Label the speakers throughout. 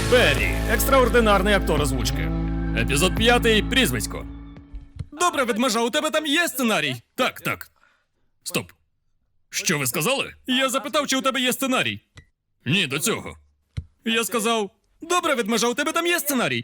Speaker 1: Беррі, екстраординарний актор озвучки. Епізод 5, прізвисько. Добре, ведмежа, у тебе там є сценарій? Так, так. Стоп. Що ви сказали? Я запитав, чи у тебе є сценарій. Ні, до цього. Я сказав: добре, ведмежа, у тебе там є сценарій.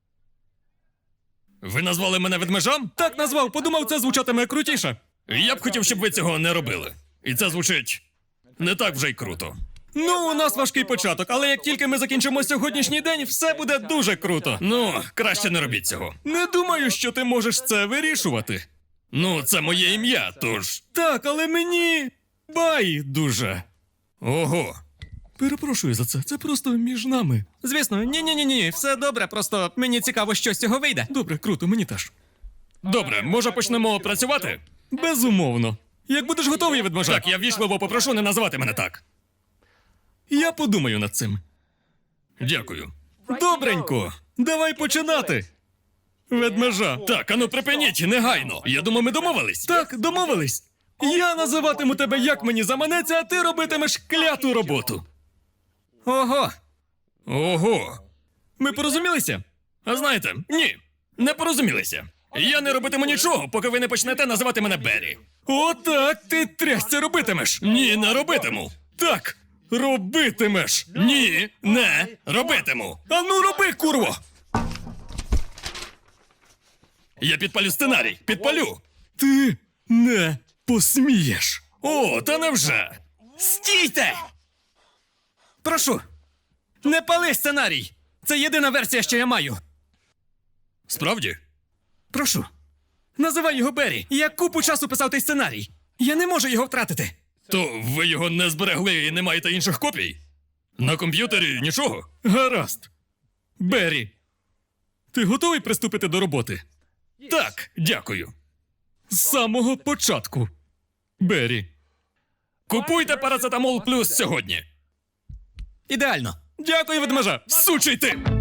Speaker 1: Ви назвали мене ведмежам? Так назвав, подумав, це звучатиме крутіше. Я б хотів, щоб ви цього не робили. І це звучить не так вже й круто. Ну, у нас важкий початок, але як тільки ми закінчимо сьогоднішній день, все буде дуже круто. Ну, краще не робіть цього. Не думаю, що ти можеш це вирішувати. Ну, це моє ім'я, тож. Так, але мені байдуже. Ого. Перепрошую за це, це просто між нами. Звісно, ні, все добре, просто мені цікаво, що з цього вийде. Добре, круто, мені теж. Добре, може почнемо працювати? Безумовно. Як будеш готовий, ведмежа? Так, я ввічливо попрошу не називати мене так. Я подумаю над цим. Дякую. Добренько, давай починати. Ведмежа. Так, ану припиніть, негайно. Я думаю, ми домовились. Так, домовились. Я називатиму тебе, як мені заманеться, а ти робитимеш кляту роботу. Ого. Ого. Ми порозумілися? А знаєте, ні, не порозумілися. Я не робитиму нічого, поки ви не почнете називати мене Беррі. Отак ти трясця робитимеш. Ні, не робитиму. Так, робитимеш. Ні, не робитиму. Ану роби, курво. Я підпалю сценарій, підпалю. Ти не посмієш. О, та невже? Стійте! Прошу, не пали сценарій. Це єдина версія, що я маю. Справді? Прошу, називай його Беррі. Я купу часу писав той сценарій. Я не можу його втратити. То ви його не зберегли і не маєте інших копій? На комп'ютері нічого? Гаразд. Беррі, ти готовий приступити до роботи? Так, дякую. З самого початку. Беррі. Купуйте парацетамол плюс сьогодні. Ідеально. Дякую, ведмежа. Сучий ти!